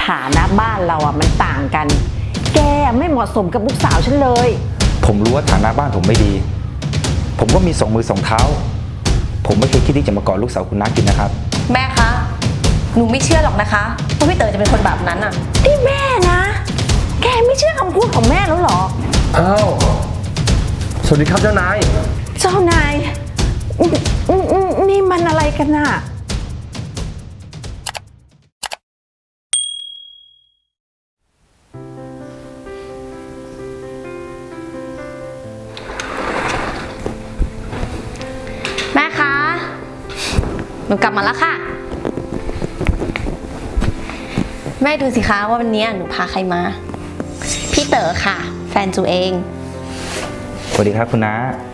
ฐานะบ้านเราอ่ะมันต่างกันแกไม่เหมาะสมกับลูกสาวฉันเลยผมรู้ว่าฐานะบ้านผมไม่ดีผมก็มี2 มือ 2 เท้าผมไม่เคยคิดที่จะมากอดลูกสาวคุณน้ากินนะครับแม่คะหนูไม่เชื่อหรอกนะคะว่าพี่เต๋อจะเป็นคนแบบนั้นอ่ะนี่แม่นะแกไม่เชื่อคำพูดของแม่แล้วเหรออ้าวสวัสดีครับเจ้านายนี่มันอะไรกันน่ะแม่คะหนูกลับมาแล้วค่ะแม่ดูสิคะว่าวันนี้หนูพาใครมาพี่เต๋อค่ะแฟนจูเองสวัสดีครับคุณน้า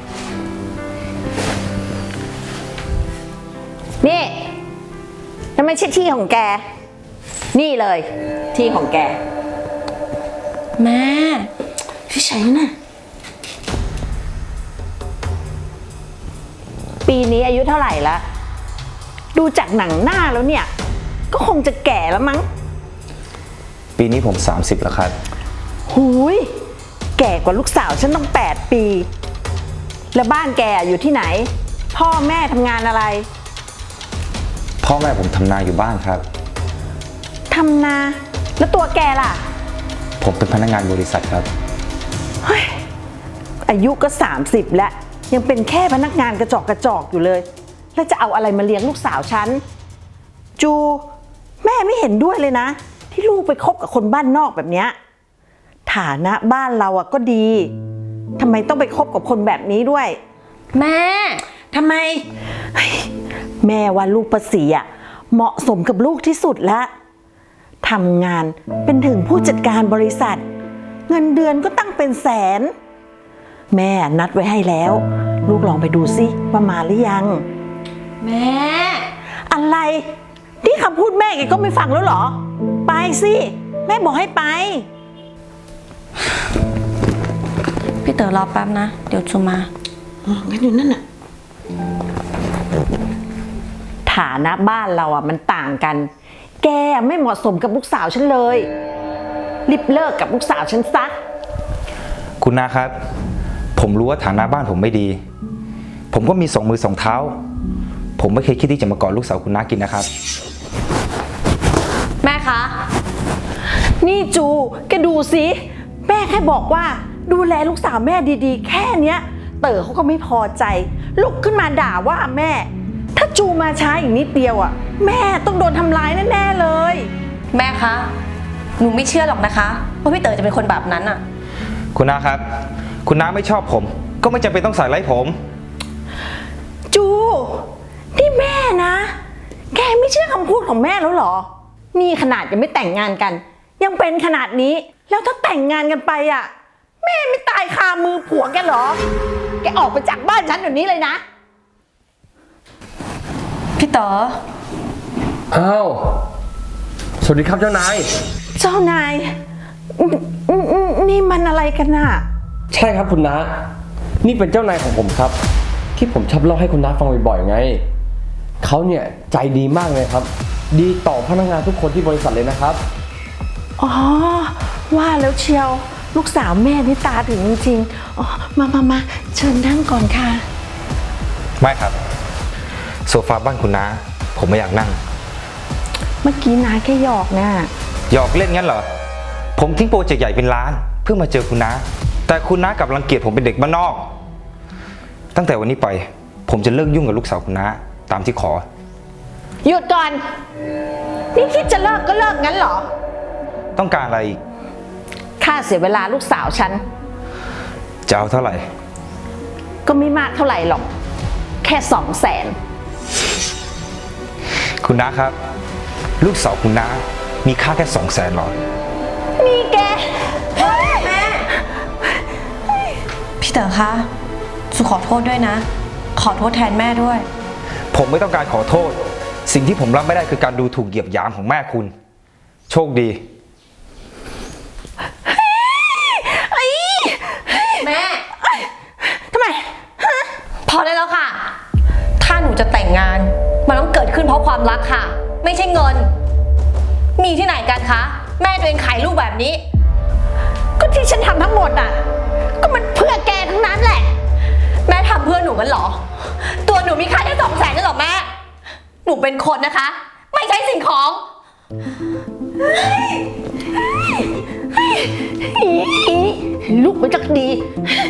นี่นั่นไม่ใช่ที่ของแกนี่เลยที่ของแกแม่พี่ใช้น่ะปีนี้อายุเท่าไหร่ละดูจากหนังหน้าแล้วเนี่ยก็คงจะแก่แล้วมั้งปีนี้ผม30แล้วครับหูยแก่กว่าลูกสาวฉันต้อง8 ปีแล้วบ้านแกอยู่ที่ไหนพ่อแม่ทำงานอะไรพ่อแม่ผมทำนาอยู่บ้านครับทำนาแล้วตัวแกล่ะผมเป็นพนักงานบริษัทครับเฮ้ยอายุก็30แล้วยังเป็นแค่พนักงานกระจอกอยู่เลยแล้วจะเอาอะไรมาเลี้ยงลูกสาวฉันจูแม่ไม่เห็นด้วยเลยนะที่ลูกไปคบกับคนบ้านนอกแบบเนี้ยฐานะบ้านเราอะก็ดีทำไมต้องไปคบกับคนแบบนี้ด้วยแม่ทำไมแม่ว่าลูกประสีอะเหมาะสมกับลูกที่สุดแล้วทำงานเป็นถึงผู้จัดการบริษัทเงินเดือนก็ตั้งเป็นแสนแม่นัดไว้ให้แล้วลูกลองไปดูสิว่ามาหรือยังแม่อะไรที่คำพูดแม่แกก็ไม่ฟังแล้วเหรอไปสิแม่บอกให้ไปพี่เต๋อรอแป๊บนะเดี๋ยวจูมางั้นอยู่นั่นน่ะฐานะบ้านเราอ่ะมันต่างกันแกไม่เหมาะสมกับลูกสาวฉันเลยรีบเลิกกับลูกสาวฉันซะคุณน้าครับผมรู้ว่าฐานะบ้านผมไม่ดีผมก็มี2 มือ 2 เท้าผมไม่เคยคิดที่จะมากอดลูกสาวคุณน้ากินนะครับแม่คะนี่จูแกดูสิแม่แค่บอกว่าดูแลลูกสาวแม่ดีๆแค่เนี้ยเต๋อเขาก็ไม่พอใจลุกขึ้นมาด่าว่าแม่ถ้าจูมาช้าอีกนิดเดียวอ่ะแม่ต้องโดนทำร้ายแน่ๆเลยแม่คะหนูไม่เชื่อหรอกนะคะว่าพี่เต๋อจะเป็นคนแบบนั้นอ่ะคุณน้าครับคุณน้าไม่ชอบผมก็ไม่จำเป็นต้องใส่ร้ายผมจูนี่แม่นะแกไม่เชื่อคำพูดของแม่แล้วเหรอนี่ขนาดยังไม่แต่งงานกันยังเป็นขนาดนี้แล้วถ้าแต่งงานกันไปอ่ะแม่ไม่ตายคามือผัวแกเหรอแกออกไปจากบ้านฉันเดี๋ยวนี้เลยนะพี่เต๋ออ้าวสวัสดีครับเจ้านายนี่มันอะไรกันน่ะใช่ครับคุณน้านี่เป็นเจ้านายของผมครับที่ผมชอบเล่าให้คุณน้าฟังบ่อยๆไงเขาเนี่ยใจดีมากเลยครับดีต่อพนักงานทุกคนที่บริษัทเลยนะครับอ๋อว่าแล้วเชียวลูกสาวแม่นี่ตาถึงจริงๆอ๋อมาเชิญนั่งก่อนค่ะไม่ครับโซฟาบ้านคุณน้าผมไม่อยากนั่งเมื่อกี้น้าแค่หยอกนะหยอกเล่นงั้นเหรอผมทิ้งโปรเจกต์ใหญ่เป็นล้านเพื่อมาเจอคุณน้าแต่คุณน้ากลับรังเกียจผมเป็นเด็กบ้านนอกตั้งแต่วันนี้ไปผมจะเลิกยุ่งกับลูกสาวคุณน้าตามที่ขอหยุดก่อนนี่คิดจะเลิกก็เลิกงั้นเหรอต้องการอะไรอีกค่าเสียเวลาลูกสาวฉันจะเอาเท่าไหร่ก็ไม่มากเท่าไหร่หรอกแค่200,000 คุณน้าครับลูกสาวคุณน้ามีค่าแค่200,000หรอนี่แกแม่พี่เต๋อคะจูขอโทษด้วยนะขอโทษแทนแม่ด้วยผมไม่ต้องการขอโทษสิ่งที่ผมรับไม่ได้คือการดูถูกเหยียบหยามของแม่คุณโชคดีแม่ทำไมพอได้แล้วค่ะถ้าหนูจะแต่งงานมันต้องเกิดขึ้นเพราะความรักค่ะไม่ใช่เงินมีที่ไหนกันคะแม่ตัวเองขายลูกแบบนี้ก็ที่ฉันทำทั้งหมดอ่ะ ก็มันเพื่อแกทั้งนั้นแหละแม่ทำเพื่อหนูกันเหรอ ตัวหนูมีค่าแค่200,000นั่นหรอแม่ หนูเป็นคนนะคะ ไม่ใช่สิ่งของลูกมันจักดี